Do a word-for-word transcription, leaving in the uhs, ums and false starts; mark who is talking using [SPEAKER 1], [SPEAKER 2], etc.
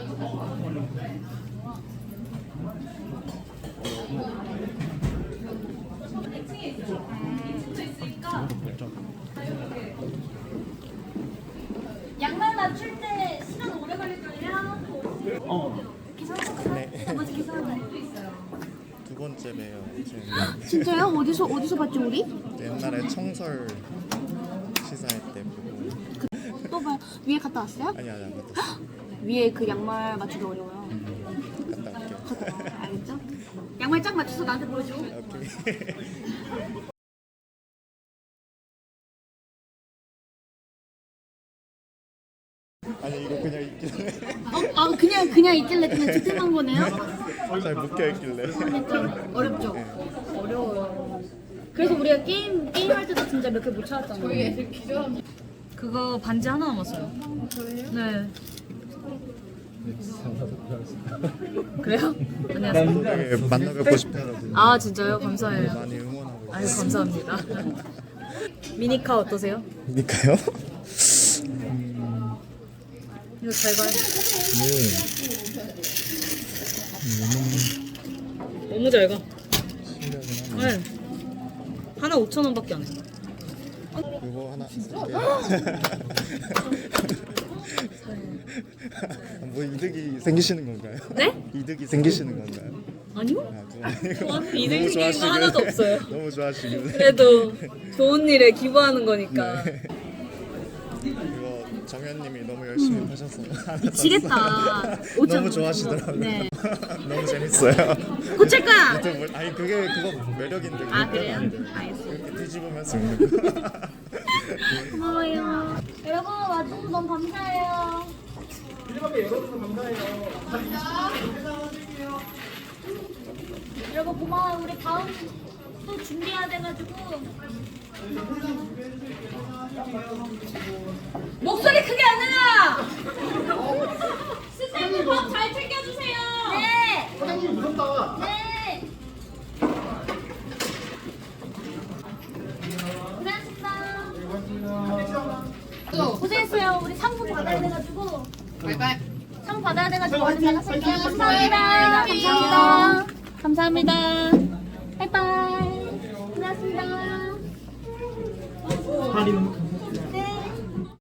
[SPEAKER 1] 양말 맞출 때 시간 오래 걸릴걸요?
[SPEAKER 2] 어.
[SPEAKER 3] 네.
[SPEAKER 1] 나머지 계산은
[SPEAKER 3] 두 번째 봬요.
[SPEAKER 1] 진짜요? 어디서 어디서 봤죠 우리?
[SPEAKER 3] 옛날에 청설 시사회 때 보고.
[SPEAKER 1] 또 봐. 위에 갔다 왔어요?
[SPEAKER 3] 아니 아니 안 갔다 왔어.
[SPEAKER 1] 위에 그 양말 맞추기 어려워요.
[SPEAKER 3] 갔다 올게요.
[SPEAKER 1] 알겠죠? 양말 쫙 맞춰서 나한테 보여줘.
[SPEAKER 3] 오케이. 아니 이거 그냥 있길래
[SPEAKER 1] 어, 아 그냥 그냥 있길래 그냥 득템한 거네요?
[SPEAKER 3] 잘 묶여 있길래.
[SPEAKER 1] 좀 어렵죠? 어려워요. 그래서 우리가 게임 게임 할 때도 진짜 몇 개 못 찾았잖아요. 그거 반지 하나 남았어요. 네. 그래요? 안녕하세요.
[SPEAKER 3] 되게 만나 뵙고 싶어가지고
[SPEAKER 1] 아 진짜요? 감사해요.
[SPEAKER 3] 많이 응원하고
[SPEAKER 1] 아유 감사합니다. 미니카 어떠세요?
[SPEAKER 3] 있으니까요.
[SPEAKER 1] 이거 잘 가요. 너무 잘 가. 네. 하나 오천 원밖에 안 해.
[SPEAKER 3] 그거 하나 쓸게요. 뭐 이득이 생기시는 건가요?
[SPEAKER 1] 네?
[SPEAKER 3] 이득이 생기시는 건가요?
[SPEAKER 1] 아니요?
[SPEAKER 3] 아, 그거 아니고.
[SPEAKER 1] 저한테 이득
[SPEAKER 3] 너무
[SPEAKER 1] 생기는 거
[SPEAKER 3] 좋아하시길래-
[SPEAKER 1] 하나도 없어요.
[SPEAKER 3] 너무 좋아하시길래.
[SPEAKER 1] 그래도 좋은 일에 기부하는 거니까.
[SPEAKER 3] 이거 정현님이 너무 열심히 하셔서 하나
[SPEAKER 1] 미치겠다.
[SPEAKER 3] 샀어요.
[SPEAKER 1] 오천
[SPEAKER 3] 너무 좋아하시더라고요.
[SPEAKER 1] 네.
[SPEAKER 3] 너무 재밌어요.
[SPEAKER 1] 고칠 거야.
[SPEAKER 3] 유튜브 아니 그게 그거 매력인데.
[SPEAKER 1] 아
[SPEAKER 3] 그거
[SPEAKER 1] 그래요?
[SPEAKER 3] 매력인데.
[SPEAKER 1] 알겠어요.
[SPEAKER 3] 이렇게 뒤집으면서 읽는 거.
[SPEAKER 1] 고마워요. 여러분 와주셔서 너무 감사해요. 여러분 고마워요. 우리 다음 또 준비해야 돼가지고. 목소리 크게 안 내라. 스태프 밥 잘 챙겨주세요. 네.
[SPEAKER 2] 사장님 무섭다.
[SPEAKER 1] 네. 고생하셨습니다. 고생했어요. 우리 상품 받아야 돼가지고.
[SPEAKER 2] 바이바이.
[SPEAKER 1] 상품 받아야 돼가지고 얼른 나가실게요. 감사합니다. 감사합니다. 감사합니다. 바이바이. 고생하셨습니다.
[SPEAKER 2] 다리는